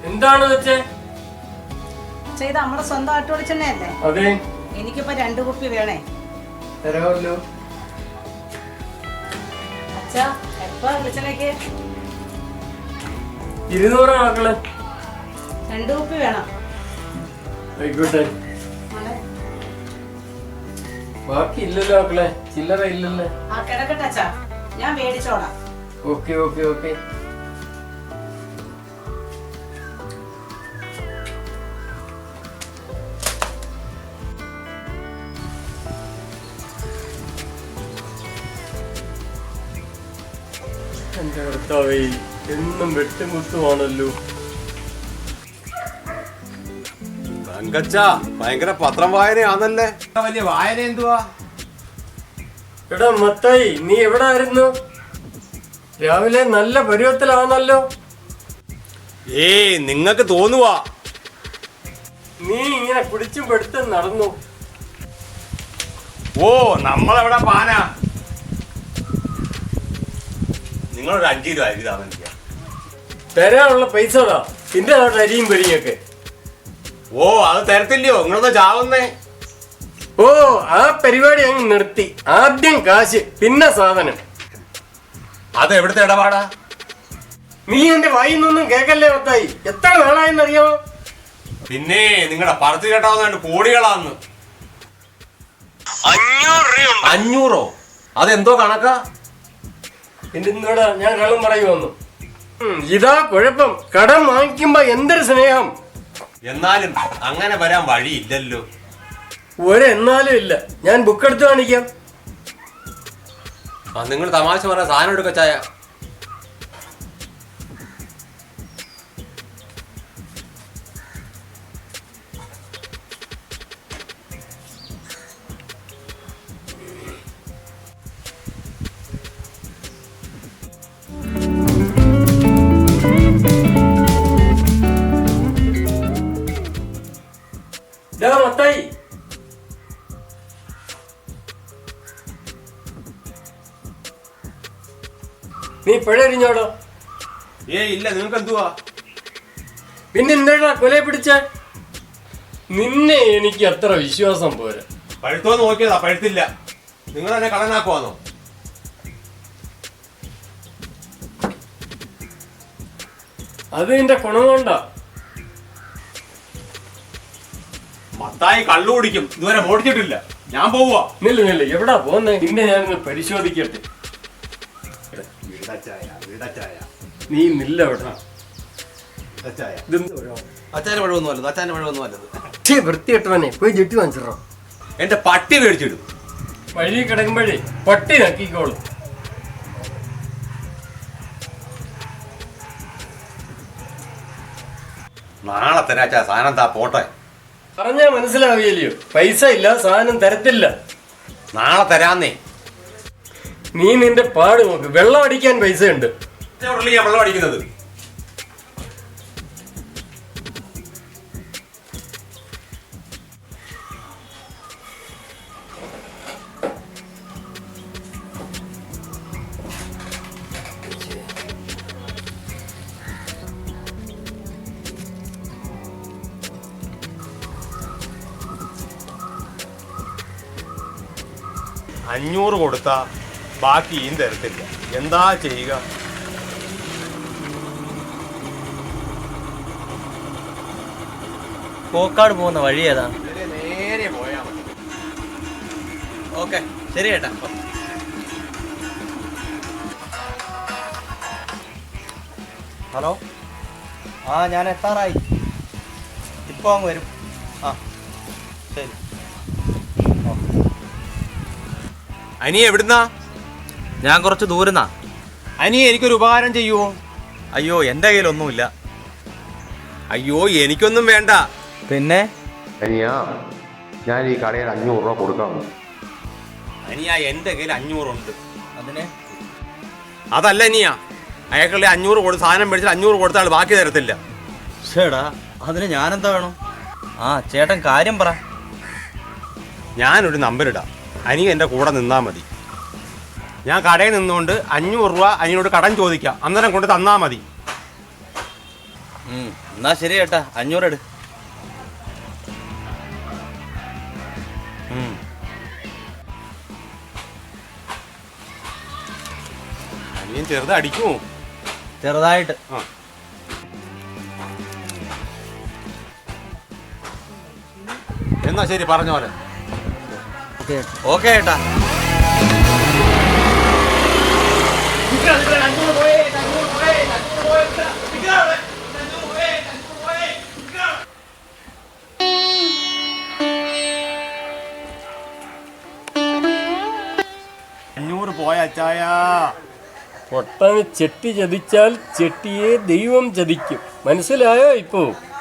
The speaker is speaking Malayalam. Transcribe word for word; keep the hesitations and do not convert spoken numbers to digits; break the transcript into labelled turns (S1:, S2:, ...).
S1: എന്താണ് വെച്ചേ?
S2: ഇത് നമ്മുടെ സ്വന്തം ആട്ടു വെളിച്ചെണ്ണയല്ലേ?
S1: അതെ.
S2: എനിക്കിപ്പോ രണ്ടു കുപ്പി വേണേ.
S1: തരാമല്ലോ.
S2: അച്ഛാ എപ്പോ വെളിച്ചെണ്ണയ്ക്ക്?
S1: ഇരുന്നൂറ് മക്കളെ.
S2: രണ്ടു കുപ്പി വേണം.
S1: ആയിക്കോട്ടെ. ബാക്കി ഇല്ലല്ലോ മക്കളെ, ചില്ലറ ഇല്ലല്ലേ?
S2: ആ കിടക്കട്ടെ അച്ഛാ, ഞാൻ മേടിച്ചോളാം.
S1: Okay okay okay. എന്റെ കർത്താവേ, എന്നും വെട്ടുമുട്ടുമാണല്ലോ.
S3: ഭയങ്കര പത്രം വായനയാണല്ലേ. വലിയ വായന എന്തുവാ?
S1: എടാ മത്തായി, നീ എവിടെ ആയിരുന്നു? രാവിലെ നല്ല പരുവത്തിലാണല്ലോ.
S3: ഏയ് നിങ്ങക്ക് തോന്നുവാ.
S1: നീ ഇങ്ങനെ കുടിച്ചും പെടുത്തും നടന്നു.
S3: ഓ നമ്മളെവിടെ പാന. നിങ്ങളൊരു അഞ്ചു രൂപ അരി താമ
S1: തരാനുള്ള പൈസ പിന്നെ അവിടെ അരിയും പൊരിയൊക്കെ.
S3: ഓ അത് തരത്തില്ലയോ? നിങ്ങളൊന്ന് ചാവുന്നേ.
S1: ഓ ആ പരിപാടി അങ്ങ് നിർത്തി. ആദ്യം കാശ് പിന്നെ സാധനം.
S3: അത് എവിടുത്തെ ഇടപാടാ?
S1: നീ എന്റെ വായിന്നൊന്നും കേക്കല്ലേ മത്തായി. എത്ര നാളായെന്നറിയാമോ?
S3: പിന്നെ നിങ്ങളുടെ പറത്ത് കേട്ടാവുന്ന കോടികളാന്ന്. അഞ്ഞൂറോ? അതെന്തോ കണക്കാ?
S1: എന്തിനോടാ ഞാൻ കള്ളം പറയുമെന്നു? ഇതാ കുഴപ്പം. കടം വാങ്ങിക്കുമ്പോ എന്തൊരു സ്നേഹം.
S3: എന്നാലും അങ്ങനെ വരാൻ വഴിയില്ലല്ലോ.
S1: ഒരെന്നാലും ഇല്ല. ഞാൻ ബുക്ക് എടുത്ത് കാണിക്കാം.
S3: ആ നിങ്ങൾ തമാശ പറഞ്ഞ സാധനം എടുക്ക ചായ.
S1: മത്തായി, നീ പിഴരിഞ്ഞോടോ?
S3: ഏ ഇല്ല. നിങ്ങൾക്ക് എന്തുവാ?
S1: പിന്നെ എന്താ കൊലയെ പിടിച്ച? നിന്നെ എനിക്ക് അത്ര വിശ്വാസം പോരാ.
S3: പഴുത്തോന്ന് നോക്കിയതാ, പഴുത്തില്ല. നിങ്ങൾ തന്നെ കടനാക്കുവാന്നോ?
S1: അത് നിന്റെ ഗുണം കൊണ്ടാ.
S3: മത്തായി കള്ളു കുടിക്കും. ഇതുവരെ ഓടിച്ചിട്ടില്ല. ഞാൻ പോവാ.
S1: നില്ല നില്ല, എവിടാ പോന്നെ? നിന്നെ ഞാനൊന്ന് പരിശോധിക്കട്ടെ. നീ നില്ല എവിടാ?
S3: അച്ഛന്റെ പഴമൊന്നും അല്ലത്. അച്ഛന്റെ പഴമൊന്നും അല്ലത്.
S1: വൃത്തിയിട്ടവനെ പോയി ജെട്ടി വാങ്ങിച്ചിടോ.
S3: എന്റെ പട്ടി മേടിച്ചിടും.
S1: വഴി കിടക്കുമ്പോഴേ പട്ടി നക്കിക്കോളും.
S3: നാളെ തരാച്ചാ സാധനം താ പോട്ടെ.
S1: പറഞ്ഞാ മനസ്സിലാവില്ലയോ? പൈസ ഇല്ല, സാധനം തരത്തില്ല.
S3: നാളെ തരാന്നേ.
S1: നീ നിന്റെ പാട് നോക്ക്. വെള്ളം അടിക്കാൻ പൈസ ഉണ്ട്.
S3: വെള്ളം അടിക്കുന്നത് അഞ്ഞൂറ് കൊടുത്താ ബാക്കി ഈ തരത്തില്ല. എന്താ ചെയ്യുക?
S4: കോക്കാട് പോകുന്ന വഴി ഏതാ?
S3: നേരെ പോയാ മതി.
S4: ഓക്കെ ശരി ചേട്ടാ. ഹലോ, ആ ഞാൻ എത്താറായി. ഇപ്പോൾ അങ്ങ് വരും. ആ ശരി.
S3: അനിയ എവിടുന്നാ?
S4: ഞാൻ കുറച്ച് ദൂരന്നാ.
S3: അനിയ എനിക്കൊരു ഉപകാരം ചെയ്യുമോ?
S4: അയ്യോ എൻ്റെ കയ്യിലൊന്നുമില്ല.
S3: അയ്യോ എനിക്കൊന്നും വേണ്ട.
S4: പിന്നെ
S5: അനിയാ, ഞാൻ ഈ കടയിൽ അഞ്ഞൂറ് രൂപ കൊടുക്കാം.
S3: അനിയ എൻ്റെ കയ്യിൽ അഞ്ഞൂറുണ്ട്.
S4: അതിന്
S3: അതല്ല അനിയ, അയാൾക്കുള്ള അഞ്ഞൂറ് കൊടുത്ത് സാധനം മേടിച്ചാൽ അഞ്ഞൂറ് കൊടുത്താൽ ബാക്കി തരത്തില്ല.
S4: ചേടാ അതിന് ഞാനെന്താ വേണം? ആ ചേട്ടൻ കാര്യം പറ.
S3: ഞാനൊരു നമ്പർ ഇടാം. അനിയ എൻ്റെ കൂടെ നിന്നാൽ മതി. ഞാൻ കടയിൽ നിന്നുകൊണ്ട് അഞ്ഞൂറ് രൂപ അനിയോട് കടം ചോദിക്കാം. അന്നേരം കൊണ്ട് തന്നാൽ മതി.
S4: ഉം, എന്നാ ശരി ചേട്ടാ അഞ്ഞൂറ് എടു.
S3: ഉം. അനിയൻ ചെറുത് അടിക്കുമോ?
S4: ചെറുതായിട്ട്.
S3: ആ. എന്നാ ശരി പറഞ്ഞ പോലെ.
S4: ഓക്കെ ചേട്ടാ.
S3: അഞ്ഞൂറ് പോയ അച്ചായ.
S1: പൊട്ടന് ചെട്ടി ചതിച്ചാൽ ചെട്ടിയെ ദൈവം ചതിക്കും. മനസ്സിലായോ ഇപ്പോ?